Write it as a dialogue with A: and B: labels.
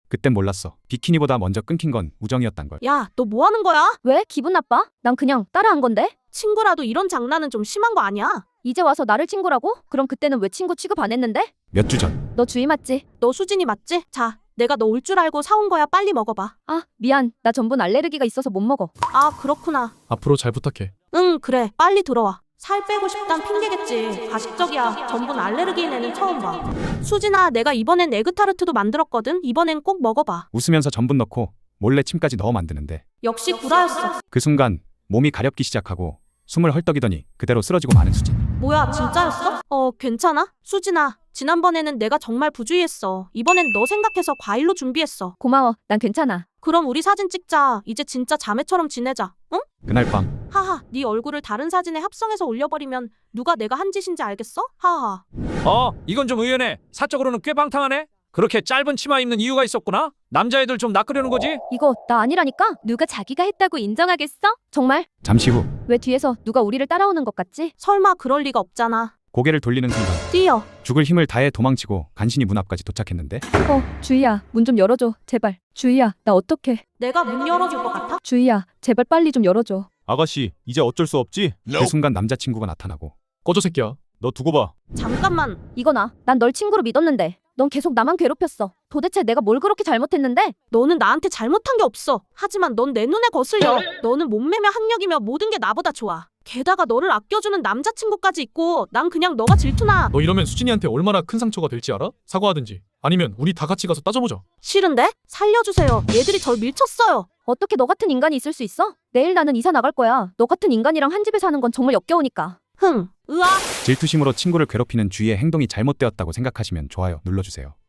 A: 그땐 몰랐어. 비키니보다 먼저 끊긴 건 우정이었단 걸.
B: 야, 너 뭐 하는 거야?
C: 왜? 기분 나빠? 난 그냥 따라한 건데?
B: 친구라도 이런 장난은 좀 심한 거 아니야?
C: 이제 와서 나를 친구라고? 그럼 그때는 왜 친구 취급 안 했는데?
A: 몇 주 전.
C: 너 주희 맞지?
B: 너 수진이 맞지? 자, 내가 너 올 줄 알고 사온 거야. 빨리 먹어봐.
C: 아, 미안. 나 전분 알레르기가 있어서 못 먹어.
B: 아, 그렇구나.
D: 앞으로 잘 부탁해.
B: 응, 그래. 빨리 들어와. 살 빼고 싶단 핑계겠지. 가식적이야. 전분 알레르기인 애는 처음 봐. 수진아, 내가 이번엔 에그타르트도 만들었거든. 이번엔 꼭 먹어봐.
A: 웃으면서 전분 넣고 몰래 침까지 넣어 만드는데
B: 역시 구라였어.
A: 그 순간 몸이 가렵기 시작하고 숨을 헐떡이더니 그대로 쓰러지고 마는 수진.
B: 뭐야, 진짜였어? 괜찮아? 수진아, 지난번에는 내가 정말 부주의했어. 이번엔 너 생각해서 과일로 준비했어.
C: 고마워. 난 괜찮아.
B: 그럼 우리 사진 찍자. 이제 진짜 자매처럼 지내자. 응?
A: 그날 밤
B: 하하, 네 얼굴을 다른 사진에 합성해서 올려버리면 누가 내가 한 짓인지 알겠어? 하하.
E: 이건 좀 의연해. 사적으로는 꽤 방탕하네. 그렇게 짧은 치마 입는 이유가 있었구나. 남자애들 좀 낚으려는 거지.
C: 이거 나 아니라니까? 누가 자기가 했다고 인정하겠어? 정말?
A: 잠시 후
C: 왜 뒤에서 누가 우리를 따라오는 것 같지?
B: 설마 그럴 리가 없잖아.
A: 고개를 돌리는 순간
B: 뛰어.
A: 죽을 힘을 다해 도망치고 간신히 문 앞까지 도착했는데
C: 주희야, 문 좀 열어줘. 제발. 주희야, 나 어떡해.
B: 내가 문 열어줄 것 같아?
C: 주희야, 제발 빨리 좀 열어줘.
D: 아가씨, 이제 어쩔 수 없지?
A: 그 순간 남자친구가 나타나고
D: 꺼져 새끼야. 너 두고 봐.
B: 잠깐만.
C: 이거나. 난 널 친구로 믿었는데. 넌 계속 나만 괴롭혔어. 도대체 내가 뭘 그렇게 잘못했는데?
B: 너는 나한테 잘못한 게 없어. 하지만 넌 내 눈에 거슬려. 너는 몸매며 학력이며 모든 게 나보다 좋아. 게다가 너를 아껴주는 남자친구까지 있고 난 그냥 너가 질투나.
D: 너 이러면 수진이한테 얼마나 큰 상처가 될지 알아? 사과하든지 아니면 우리 다 같이 가서 따져보자.
B: 싫은데? 살려주세요. 얘들이 절 밀쳤어요.
C: 어떻게 너 같은 인간이 있을 수 있어? 내일 나는 이사 나갈 거야. 너 같은 인간이랑 한 집에 사는 건 정말 역겨우니까.
B: 으아.
A: 질투심으로 친구를 괴롭히는 주희의 행동이 잘못되었다고 생각하시면 좋아요 눌러주세요.